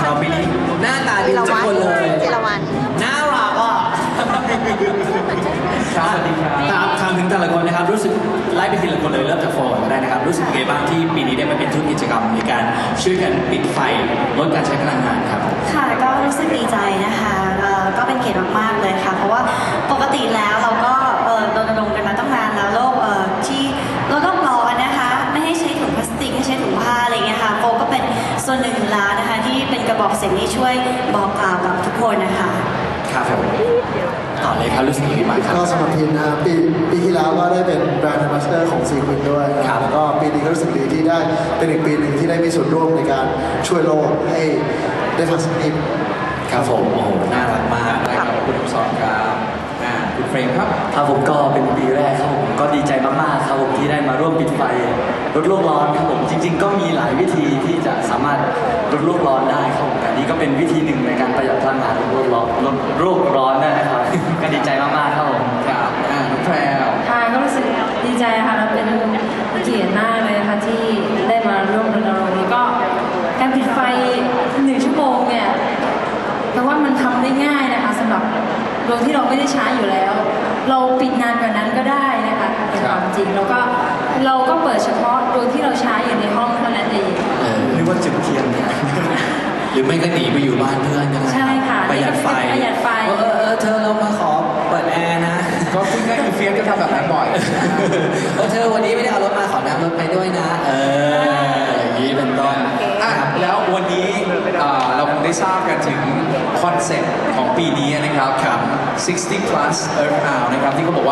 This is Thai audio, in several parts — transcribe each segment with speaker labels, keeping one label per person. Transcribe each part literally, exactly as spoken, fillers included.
Speaker 1: เราปีนี้หน้าตาดีทุกคนเลย
Speaker 2: จิรวรรณ
Speaker 1: น่ารักอ่ะครับสวัสดีครับถามถึงแต่ละคนนะครับรู้สึกไล่ไปทีละคนเลยเริ่มจากโฟนก็ได้นะครับรู้สึกยังไงบ้างที่ปีนี้ได้มาเป็นทุนกิจกรรมในการช่วยกันปิดไฟลดการใช้พลังงานครับ
Speaker 2: ค่ะก็รู้สึกดีใจนะคะก็เป็นเกียรติมากๆเลยค่ะเพราะว่าปกติแล้วเราก็รณรงค์กันมาตั้งนานแล้วโลกที่โลกร้อนนะคะไม่ให้ใช้ถุงพลาสติกให้ใช้ถุงผ้าอะไรเงี้ยค่ะโฟก็เป็นส่วนหนึ่งแล้วนะคะที่เป็นกระบอกเสียงที่ช่วยบอกกล่าวกับทุกคนนะคะ
Speaker 1: ครับผมต่อเลยครับรู้สึกยังไงบ้างครับ
Speaker 3: ก็สำหรับทีมนะปีปีที่แล้วก็ได้เป็นแบรนด์แอมบาสเดอร์ของซีควินด้วยครับแล้วก็ปีนี้ก็รู้สึกดีที่ได้เป็นอีกปีหนึ่งที่ได้มีส่วนร่วมในการช่วยโลกให้ได้ทันสมัย
Speaker 1: ครับผมโอ้โหน่ารักมาก
Speaker 4: ได้ครับคุณสอนครับคุณเฟรมครับ
Speaker 5: ครับผมก็เป็นปีแรกครับผมก็ดีใจมากๆครับผมที่ได้มาร่วมปิดไฟลดโลกร้อนครับผมจริงๆก็มีหลายวิธีที่จะสามารถลดโลกร้อนได้ครับผมแต่นี้ก็เป็นวิธีหนึ่งในการประหยัดพลังงานลดโลกร้อนลดโลกร้อนได้นะครับก็ดีใจมากๆครับผม
Speaker 4: ครับน้องแพรว
Speaker 6: ค่ะก็รู้สึกดีใจค่ะและเป็นเกียรติมากเลยนะคะที่ได้มาร่วมรณรงค์นี้ก็การปิดไฟหนึ่งชั่วโมงเนี่ยเพราะว่ามันทำได้ง่ายนะคะสำหรับโดยที่เราไม่ได้ใช้อยู่แล้วเราปิดนานกว่านั้นก็ได้นะคะในความจริงแล้วก็เราก็เปิดเฉพาะโดยที่เราใช้อยู่ในห้องเท่านั้นเอง
Speaker 1: หรือว่าจุดเทียนเนี่ยหรือไม่ก็หนีไปอยู่บ้านเพื่อนก็ได้
Speaker 6: ใช่ค่ะ
Speaker 1: ประหยัดไฟ
Speaker 6: ประหยัดไฟ
Speaker 1: เออเออเธอเรามาขอเปิดแอร์นะ
Speaker 4: ก็คุณแม่คือเฟียสก็ทำแบบนั้นบ่อย
Speaker 1: เออเธอวันนี้ไม่ได้เอารถมาขอน้ำรถไปด้วยนะเอออย่างนี้เป็นต้น
Speaker 4: อ่ะแล้ววันนี้เราคงได้ทราบกันถึงคอนเซ็ปต์ของปีนี้นะครับครับsixty plus Earth Hour นะครับที่เขาบอกว่า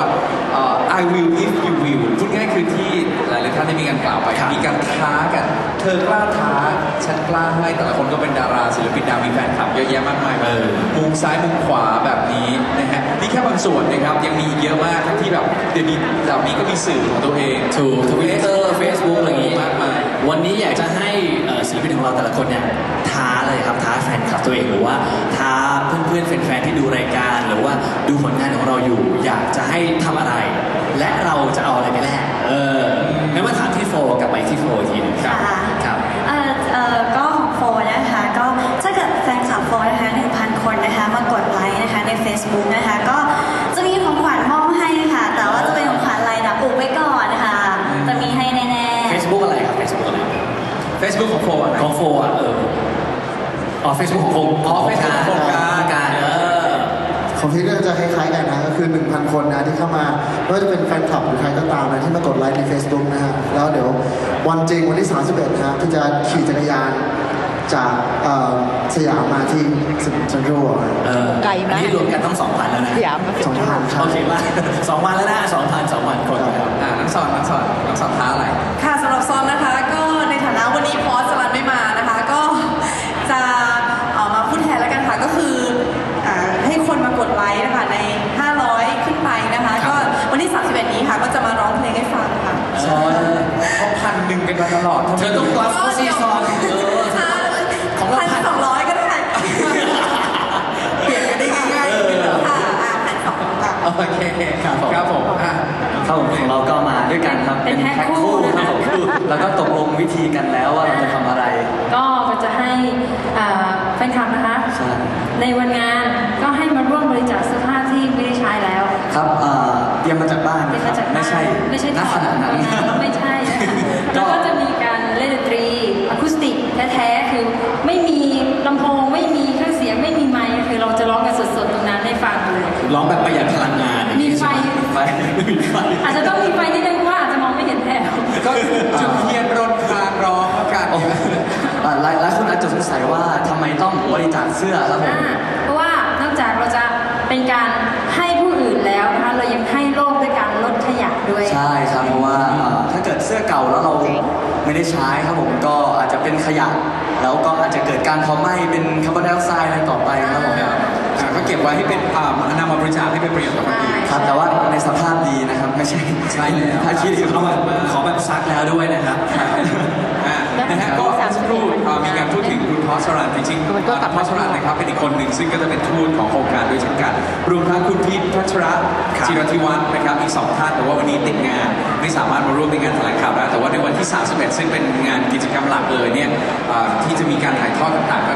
Speaker 4: I will if you will พูดง่ายคือที่หลายๆท่านได้มีการกล่าวไปมีการท้ากันเธอกล้าท้าฉันกล้าให้แต่ละคนก็เป็นดาราศิลปินดาวมีแฟนคลับเยอะแยะมากมายมุมซ้ายมุมขวาแบบนี้นะฮะนี่แค่บางส่วนนะครับยังมีอีกเยอะมากที่แบบเดี๋ยวนี้เหล่านี้ก็มีสื่อของตัวเอง
Speaker 1: ถูก Twitter Facebook อะไรอย่างงี้มากมายวันนี้อยากจะให้ศิลปินของเราแต่ละคนเนี่ยท้าเลยครับท้าแฟนคลับตัวเองหรือว่าท้าเพื่อนๆแฟนๆที่ดูรายการหรือว่าดูผลงานของเราอยู่อยากจะให้ทำอะไรและเราจะเอาอะไรไปแลกเอองั้นมาถามที่โฟกับไปที่โฟอีกทีนึงครับ
Speaker 2: ครับเอ่อเอ่อก็ของโฟนะคะก็ถ้าเกิดแฟนคลับโฟนะคะ หนึ่งพัน คนนะคะมากดไลค์นะคะใน Facebook นะคะก็จะมีของขวัญมอบให้ค่ะแต่ว่าจะเป็นของขวัญอะไรนะอุบไว้ก่อนนะคะจะมีให้แน่ๆ
Speaker 1: Facebook อะไรครับ Facebook อะไร
Speaker 4: Facebook ของโฟ
Speaker 1: ของโฟอ่ะเอออ๋อ Facebook ของโฟอ๋อ Facebook ของการการเออ
Speaker 3: ของพี่ก็จะคล้ายๆกันนะก็คือ หนึ่งพัน คนนะที่เข้ามาไม่ว่าจะเป็นแฟนคลับหรือใครก็ตามนะที่มากดไลค์ใน Facebook นะฮะแล้วเดี๋ยววันจริงวันที่สามสิบเอ็ดนะที่จะขี่จักรยานจากสยามมาที่เซ็นทรัล
Speaker 1: ไกลไหมนี่รวมกันต้องสองพันแล้วนะ
Speaker 3: สยามสองพัน
Speaker 1: โอเคว่าสองพันแล้วนะสองพันสองพันคน
Speaker 4: ครับอ่านักสอนนักสอนนักสอนท้าอะไร
Speaker 7: ค่ะสำหรับซอนนะคะก็ในฐานะวันนี้พอสลันไม่มานะคะก็จะออกมาพูดแทนแล้วกันค่ะก็คือให้คนมากดไลค์นะคะในห้าร้อยขึ้นไปนะคะก็วันที่สามสิบเอ็ดนี้ค่ะก็จะมาร้องเพลงให้ฟังค่ะ
Speaker 4: ซอนเขาพันหนึ่งกันมาตลอด
Speaker 1: เธอต้องกลับเขาซีซอน
Speaker 7: ของเราพันสองร้อยก็ได้เปลี่ยนกันได้ง่ายๆค่ะพันสองค่ะ
Speaker 4: โอเคครับครับผม
Speaker 5: ครับผมของเราก็มาด้วยกันครับ
Speaker 6: เป็นแพ็คคู่
Speaker 5: ครับแล้วก็ตกลงวิธีกันแล้วว่าเราจะทำอะไร
Speaker 6: ก็จะให้แฟนคลับนะคะในวันงานก็ให้มาร่วมบริจาคเสื้อผ้าที่ไม่ได้ใช้แล้ว
Speaker 5: ครับเตรียมมาจากบ้านไม่ใช่
Speaker 6: ไม่ใช่
Speaker 5: ณขณะนั้น
Speaker 6: ไม่ใช่แล้วก็จะมีการเล่นดนตรีอะคูสติกแท้ๆคือไม่มีลำโพงไม่มีเครื่องเสียงไม่มีไมค์คือเราจะร้องกันสดๆตรงนั้นให้ฟังเลย
Speaker 1: ร้องแบบประหยัดพลังงาน
Speaker 6: มีไฟอาจจะต้องมีไฟนิดนึงว่าอาจจะมองไม่เห็นแถว
Speaker 4: ก็จุดเทียนรนคลางร้องกัน
Speaker 5: หลายหลายคนอาจจะสงสัยว่าทำไมต้องบริจาคเสื้อครับผม
Speaker 6: เพราะว่านอกจากเราจะเป็นการให้ผู้อื่นแล้วนะคะเรายังให้โลกด้วยการลดขยะด้วย
Speaker 5: ใช่ครับเพราะว่าถ้าเกิดเสื้อเก่าแล้วเราไม่ได้ใช้ครับผมก็อาจจะเป็นขยะแล้วก็อาจจะเกิดการเผาไหม้เป็นคาร์บอนไดออกไซด์อะไรต่อไปครับผม
Speaker 4: ก็เก็บไว้ให้เป็นนำมาบริจาคให้เป็นประโยชน์ต่อคนอื่น
Speaker 5: ครับแต่ว่าในสภาพดีนะครับไม่ใช่
Speaker 4: ใช่แล้ว
Speaker 5: ถ้าคิด
Speaker 1: เขาแบบขอแบบซักแล้วด้วยนะครับ
Speaker 4: นะฮะก็สักครู่มีการพูดถึงคุณพอสรันจริงๆคุณพอสรันนะครับเป็นอีกคนหนึ่งซึ่งก็จะเป็นทูตของโครงการด้วยเช่นกันรวมทั้งคุณพีทพัชระจิรธิวัฒน์นะครับอีกสองท่านแต่ว่าวันนี้ติดงานไม่สามารถมาร่วมในงานแถลงข่าวได้แต่ว่าในวันที่สามสิบเอ็ดซึ่งเป็นงานกิจกรรมหลักเลยเนี่ยที่จะมีการถ่ายทอดต่างๆก็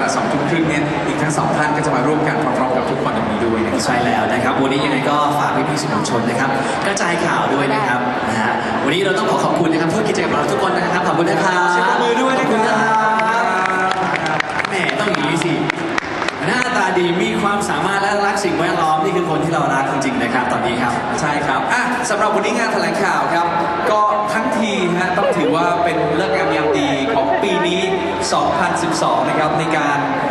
Speaker 4: สองทุ่มครึ่งเนี่ยอีกทั้งสองท่านก็จะมาร่วมกันพร้อมๆกับทุกคนตรงนี้ด้วยนะครับ
Speaker 1: ใช่แล้วนะครับวันนี้ยังไงก็ฝากพี่ๆสื่อมวลชนนะครับกระจายข่าวด้วยนะครับนะฮะวันนี้เราต้องขอขอบคุณนะครับผู้กิจกรรมเราทุกคนนะครับขอบคุณนะครับ
Speaker 4: เสียงปรบมือด้วยนะครับ
Speaker 1: แหมต้องอย่างนี้สิหน้าตาดีมีความสามารถและรักสิ่งแวดล้อมนี่คือคนที่เรารักจริงๆนะครับตอนนี้ครับ
Speaker 4: ใช่ครับอ่ะสำหรับวันนี้งานแถลงข่าวครับ ก็ทั้งทีฮะต้องถือว่าเป็นเลิกงามยามดีของปีนี้ สองพันสิบสอง นะครับในการ